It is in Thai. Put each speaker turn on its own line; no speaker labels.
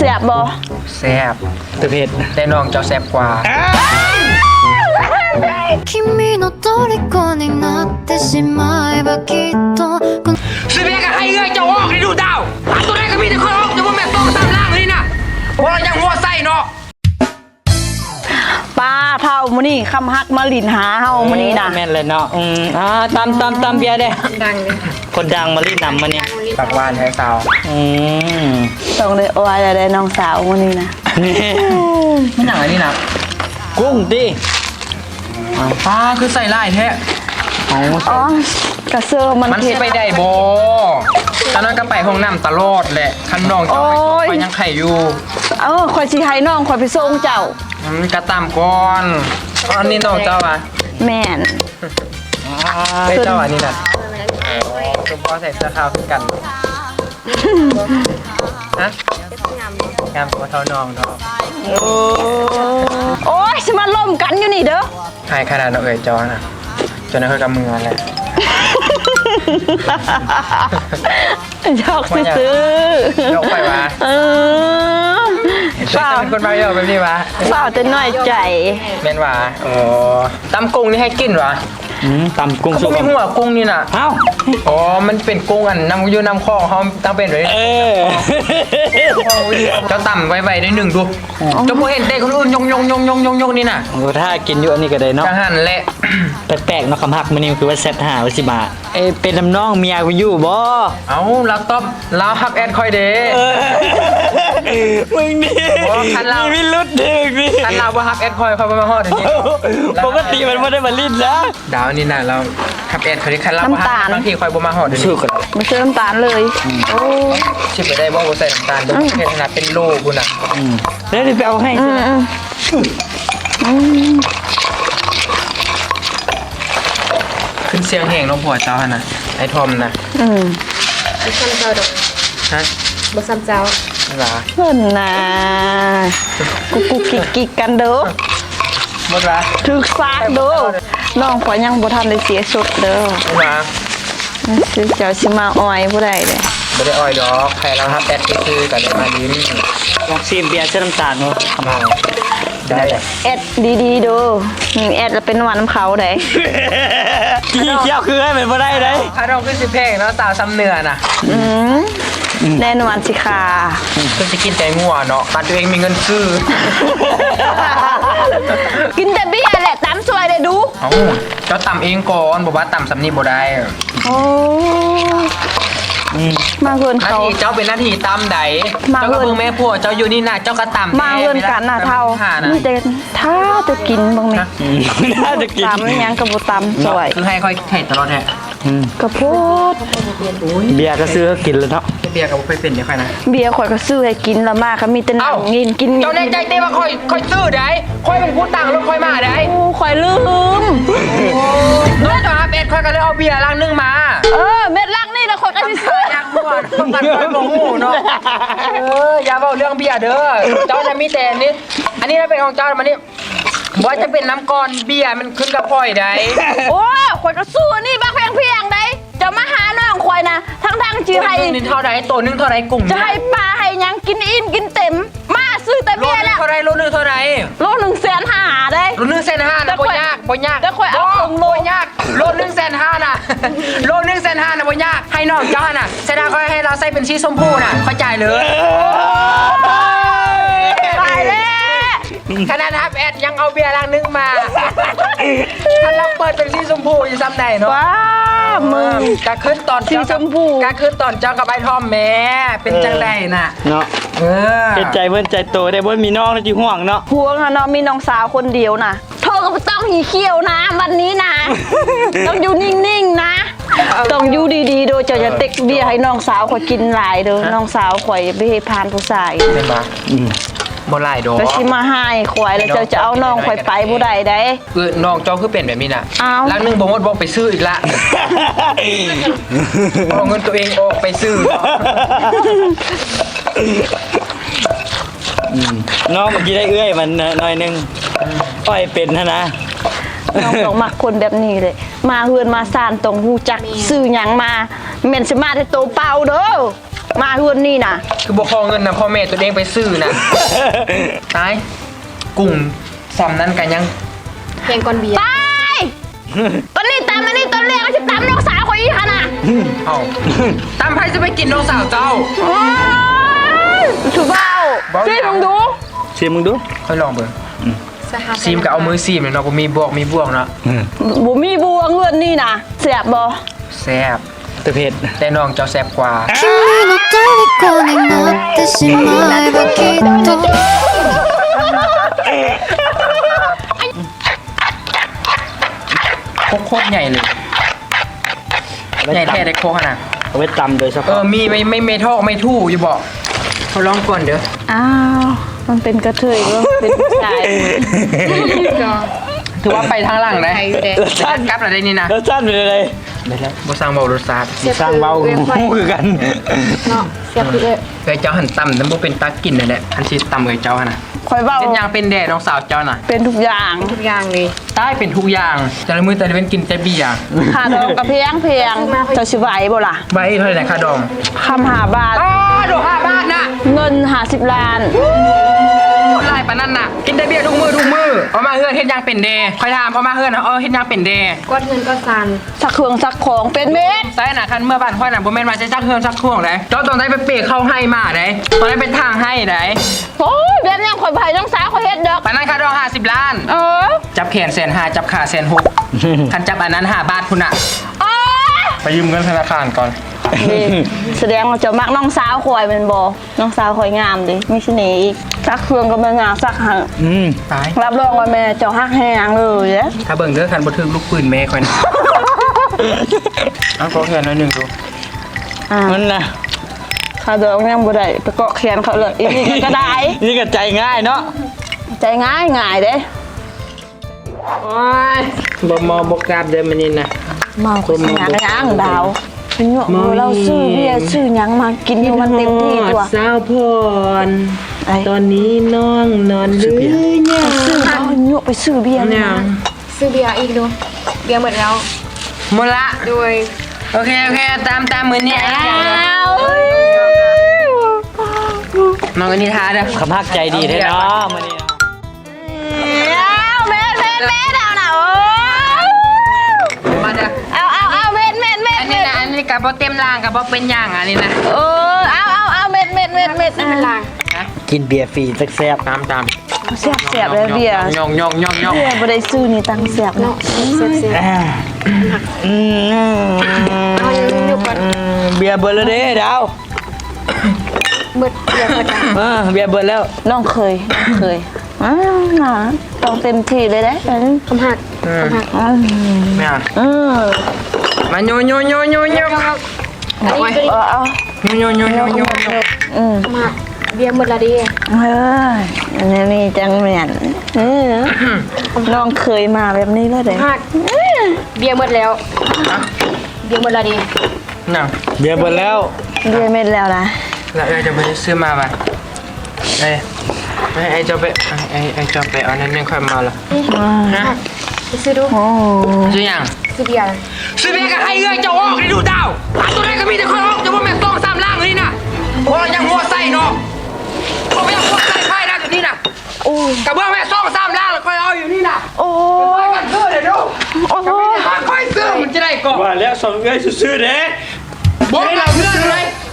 สียบบ่
แซ่บตัวเผ็ดแต่น้องเจ้าแซ่บกว่า
君の虜になってしまえばきっと
สิเบียกับให้เอ้ยเจ้าออกให้ดูดาวหาตัวไหนก็มีแต่คนออกจะว่าแม่ต้องตามล่างเลยนะเพราะเรายังหัวไส้เนาะ
ป้าเท่ามื้อนี้คำฮักมาลินหาเฮามื้อนี้นะ
แม่นเลยเนาะตำเบียร์เด้ดังคนดังมาลีนำมาเนี่ย
ปากหวานแท้สาว
ต้องเลยอวยได้น้องสาวมื้อนี้นะ
ไม่หนังอันนี้นะ
กุ้งดิ
ป้าคือใส่ลายแท้
อ๋อกระเซอร์มัน
สิไปได้บ่ตอนนั้นก็ไปห้องน้ำตลอดแหละคันน้องเจ้าไปยังไข่อยู่
ข่อยสิให้น้องข่อยไปส่งเจ้
ากระตามก่อนอันนี้น้องเจ้าอ่ะ
แม่น
เจ้าอันนี้น่ะคุณพ่อใส่เสื้อขาวกันฮะงามกว่าเท่าน้องเนาะ
โอ้ยสิมาล่มกันอยู่นี่เด้อ
ใครขนาดน้องเอ๋ยจอน่ะจนนั้นเขากำมืออะไร
ยอกซื้อย
กไปวะเปล่าเป็นคนมาเยอะแบบนี้วะ
เปล่าจะน้อยใจ
แม่นวะโอ้ตำกุ้งนี่ให้กินวะ
ตำกุ้งสุก
มีหัวกุ้งนี่น่ะ
เอ้า
อ๋อมันเป็นกุ้งอันน้ำยูน้ำคลองเขาตั้งเป็นเลยเจ้าต่ำไวๆได้หนึ่งดูเจ้าพวกเห็นเด็กคนอื่นยงนี่น่ะ
ถ้ากินอยู่อันนี้ก็ได้เนาะ
จะหั่นแหละ
แปลกๆเนาะคำหักมันนี่คือว่าแซ่บ5 10 บาทเป็นน้ำน้องเมียกูอยู่บ่
เอาเราตอบเราฮับแอดคอยเด้
มึงนี่มีรุดดึกนี่
คันเราว่าฮับแอดคอยเขามาฮอดอย่างนี้
ปกติมันไม่ได้มาลิ้นนะ
ดาวนี่น่ะเราฮับแอดเขาที่คันเราว่าบางทีคอยบ่มาฮอดเดี๋ยวนี้
ไม่เชื่อน้ำตาลเลยโอ้
ชิบไปได้บ่ใส่น้ำตาลเดี๋ยวเฮ็ดขนาดเป็นโลกูน่ะ
แล้วไปเอาให้
ขึ้นเสียงแห้งน้องผัวเจ้าน่ะไอ้ทอมน่ะ
บ่ซ้ำเจ้าดอก
ฮะ
บ่ซ้ำเจ้า
หรอ
เพิ่นน่ะกุกกิกกันเด้อ
หมดละ
ถึกซากเด้อน้องขอยังบ่ทันได้เสียสุดเด้อ
หรอ
สิเจ้าสิมาอ้อยผู้ใดเด้
บ่ได้อ้อยดอกใครเราฮับแอดคือกันมาลิ้น
ลองชิมเบียร์เส้นน้ำตาลเนาะ
ได้
แอดดีๆดูแอดแล้วเป็นหวานน้ำเขาได้
กี่เกี่ยวคือให้มันบ่ได้ได้
ถ้าเราขึ้นสิเพลงเนาะสาวซ้ำเนื้อน่ะ
แน่นอนสิค่ะ
คือจะกินแต่งัวเนาะบ้านตัวเองมีเงินซื้อ
กินแต่เบี้ยแหละตำสวยเลยดู
เจ้าตำเองก่อนบอกว่าตำสำนีบ่ได้
โอ้มาเกินเขา
เจ้าเป็นหน้าที่ตำใดเจ้าก็เบิ่งแม่ผัวเจ้าอยู่นี่น่ะเจ้าก็ตำ
มาเกินกันน่ะเท่านี่เด่นถ้าจะกินบ้างไหม
น่าจะกิน
ตำยังกับบุตำสวย
คือให้ค่อยไข่ตลอดแท้
กระโพด
เบียร์ก็ซื้อกินแล้วเนาะ
เบียร์ก็บ่ค่อยเป็นเดี๋ยวค่อยนะ
เบียร์ข่อยก็ซื้อให้กินละมากค่ะมีแต่นั่งกิน
เจ้าในใจเต้ว่าค่อยซื้อได้ค่อยเป็นผู้ตังรถค่อยมาได้
ข่อยลืม
น้องจะหาเป็ดค่อยก็เลยเอาเบียร์ลังนึงมา
เม็ดลังนี่นะข่อยก็สิซื้อ
ยังบ่ต้องกันค่อยบ่ฮู้เนาะอย่าเว้าเรื่องเบียร์เด้อเจ้าจะมีแต่นี้อันนี้เป็นของเจ้ามันนี่ว่าจะเป็นน้ำก้อนเบียร์มันขึ้นกับพ่อยได้
โอ้ข่อยก็ซื้อนี่บักเพียงได้จะมาหาน้องข่อยนะทั้งจีไห้
นี่เท่าไรตัวนึงเท่าไรกุ้ง
จะให้ปลาให้ยังกินอิ่มกินเต็มมาซื้อแต่เบียร์แล้ว
เท่าไรโลนึงเท่าไร
โล150,000ได้
โล150,000นะบ่ยาก
แต่ข่อยเอา
โลยากโล150,000นะโล150,000นะบ่ยากให้น้องเจ้าน่ะแสดงเขาให้เราใส่เป็นสีชมพูน่ะเข้าใจเลย
ตายแล้ว
ขนาดฮับแอดยังเอาเบียร์ลังนึงมาถ้าเราเปิดเป็นสีชมพูจะซ้ำไหนเนาะ
ว้ามึง
กะขึ้นตอน
สีชมพู
กะขึ้นตอนเจ้ากับไอ้ทอมแม่เป็นจังไดน่ะ
เนาะเป็นใจเบิ้นใจโตได้เบิ้นมีน้องแล้วจีห่วงเนาะ
ห่วงเนาะมีน้องสาวคนเดียวนะเธอก็ต้องหีเขี้ยวนะวันนี้นะต้องอยู่นิ่งๆนะต้องอยู่ดีๆโดยจะเต็กเบียร์ให้น้องสาวข่อยกินหลายเด้อน้องสาวข่อยไปให้พานผู้ชาย
เห็นปะบ่ไล่ดอก
ก็สิมาให้ข่อยแล้วจะเอาน้องข่อยไปบ่ได้ได้
น้องเจ้าคือเป็นแบบนี้น่ะลังนึงบ่หมดบ่ไปซื้ออีกละเอาเงินตัวเองออกไปซื้อ
น้องเมื่อกี้ได้เอื้อยมันหน่อยนึงอ้อยเป็นนะ
น้องต้องมักคนแบบนี้เลยมาเฮือนมาซ่านตรงฮู้จักซื้อหยังมาแม่นสิมาแต่โตเปล่าเด้อมาเฮือนนี่นะ
คือบอกขอเงินนะพ่อแม่ตัวเองไปซื้อนะตายกุ้งซ้ำนั้นกันยัง
เพลงก่อนเบียร์
ตายตอนนี้ตามมานี่ตอนแรกก็จะตามน้องสาวคนอีกค่ะน่ะ
เอาตามใครจะไปกินน้องสาวเจ้า
โอ้ยถูกเปล่า
บอก
ซีมึงดู
ชิมมึงดู
ค่อยลองเบิ่ง
สห
ซีมก็เอามือซีมเลยเนาะบ่มีบวกมีบวกเนาะ
บ่มีบัวเงินนี่นะเสียบบ่
แซ่บ
แต่เผ็ด
แต่น้องเจ้าแซ่บกว่า
君の虜になってしまえばきっと
โคตรใหญ่เลยใหญ่แท้ได้โคขนาด
เอาไว้ตำโดยเฉ
เอ
พาะ
อมีไม่ทอกไม่ทู่อยู่บอกเขาลองก่อนเด้อ
อ้าวมันเป็นกระเทยก็เป็นผู้ชาย
ถือว่าไปทางหลังได้
ไทยอยู่เด้
กลับอะไรนี่นะ
รสชาติเป็นอะไร
ได้แล้วบ่สร้างเบารสชาติ
สร้างเบาหูคือกัน
เนาะเสียบคือเอ้ย
เอ้ยเจ้าหันต่ำแต่บ่เป็นตากินนั่นแหละอันสิต่ำเอ้ยเจ้าหั่นน่ะ
คอยเบา
เป็นอย่างเป็นแด่น้องสาวเจ้าน่ะ
เป็นทุกอย่าง
ทุกอย่างเลย
ใต้เป็นทุกอย่างแต่ละมื้อแต่ละเว้นกินแต่เบียร์
ค่าดองกระเพียงเพียงจะชิไหวบ่ล่ะ
ไว้เท่าไหร่นะค่าดอง
คำหาบาท
อ๋อโด5 บาทน่ะ
เงิน50 ล้าน
หลายปานนั้นน่ะกินแต่เบียร์ทุกมื้อเอามาเฮือนเฮ็ดหยังเป็นแด่ค่อยถามเอามาเฮือนเฮ็ดหยังเป็นแด่
กดเงินก็ซัน
สักเครื่องสักของเป็นเม็ด
ใช่น่ะคันเมื่อบ้านค่อยน่ะบ่แม่นว่าจะจักเฮือนจักครัวได้เจ้าต้องได้ไปเปะเข้าให้มาได้ตอนนั้นเป็นทางให้ได้
โอ้ยแบบนี้ข่อยไผ่น้องสาวข่อยเฮ็ดดอก
ปานนั้นค่าดอง50 ล้าน
เออ
จับแขน150,000จับขา160,000คันจับอันนั้น5 บาทพุ่นน่ะ
โอ้ย
ไปยืมเงินธนาคารก่อน
นี่แสดงว่าเจะมักน้องสาวข่อยแมันบ่น้องสาวข่อยงามดิมีเสน่ห์อีกสักเครื่องก็มางามสักหัง
ตาย
รับรองว่าแม่เจ้าฮักแฮงเลยเด้
ถ้าเบิ่งเด้อคันบ่ถึกลูกปืนแม่ค่อยนะเอาขอแขนหน่อยหนึงดู
อ่า
มันนะ
ข้าดอกยังบ่ได้ไปเกาะแขนเขาเลยอีนี่ก็ได้
นี่ก็ใจง่ายเนาะ
ใจง่ายเด้
โอ้ยบ่มบ่กราบเด้อมื้อนี้นะ
เมาคนหยังยังดาวเป็นหยวกมือเราซื้อเบียร์ซื้อหยังมากินให้มันเต็มที่ตัว
สาวพร
ไอ้
ตอนนี้น้องนอนหรือยัง
ซื้อเอาหยวกไปซื้อเบียร์
เนี่ย
มา
ซื้อเบียร์อีกดูเบียร์หมดแล้ว
หมดละ
โดย
โอเคตามมื้อนี้
อ้าว
น้องกันนิทาเด้อ
คำพักใจดีแท้เนาะมื้อนี้เนาะ
เม็ดเอาน่ะโอ้
มาเด้อ
เอาเม็ด
อันนี้นะอันนี้ก็บ่เต็มร่างก็บ่เป็นหยังอันนี้นะ
เอาเม็ด
ไม่เป็นไร
กินเบียร์ฟรีสักแซ่บ
ตาม
เสียบเลยเบียร์
ย่อง
เบียร์บ่ได้ซื้อนี่ตังเสียบ
เนาะ
เนาะ
เสียบเสียบ เอาอยู่ก่อน
เบียร์เบิร์แล้วเด้ดาว
หมดเบียร์หมดแล้ว
เบียร์เบิร์แล้ว
น้องเคยอ้าวน่ะต้องเต็มที่เลยเด้
คำหักคำหัก
แม่ มาโย
อันนี้ตัวนี้
เอา
โย
คำหักเบียร์หมดแล้วดิ
อันนี้มีจังเหมือนน้องเคยมาแบบนี้เลยเด้
คำหักเบียร์หมดแล้วเบียร์หมดแล้วดิ
น่ะ
เบียร์เบิร์แล้ว
เบียร์เม็ดแล้วนะ
แล้วจะไปซื้อมาป่ะไอ้เจ้าไปไอ้เจ้าไปเอานั่นยังค่อยมาละฮะ
ไปซื้อดู
โอ้
ซื้อยัง
ซื้อเบียร์
ซื้อเบก็ให้เอ้ยเจ้าออกได้ดูดาวหาตัวไหนก็มีแต่คนออกจะว่าแม่ต้อง3ล่างเลยนะพอยังหัวใส่เนาะพอไม่ยังหัวใส่ไพ่ได้แบบนี้นะกระเบื้องแม่ต้อง3ล่างแล้วค่อยเอาอยู่นี่นะ
โอ้
ไปกันซื้อเดี๋ยวดู
โอ้โห
ค่อยซื้อมันจะได้ก่อน
ว่าแล้วสองเอ้ยซื่อๆเด้
บอกเราเพื่อนเลย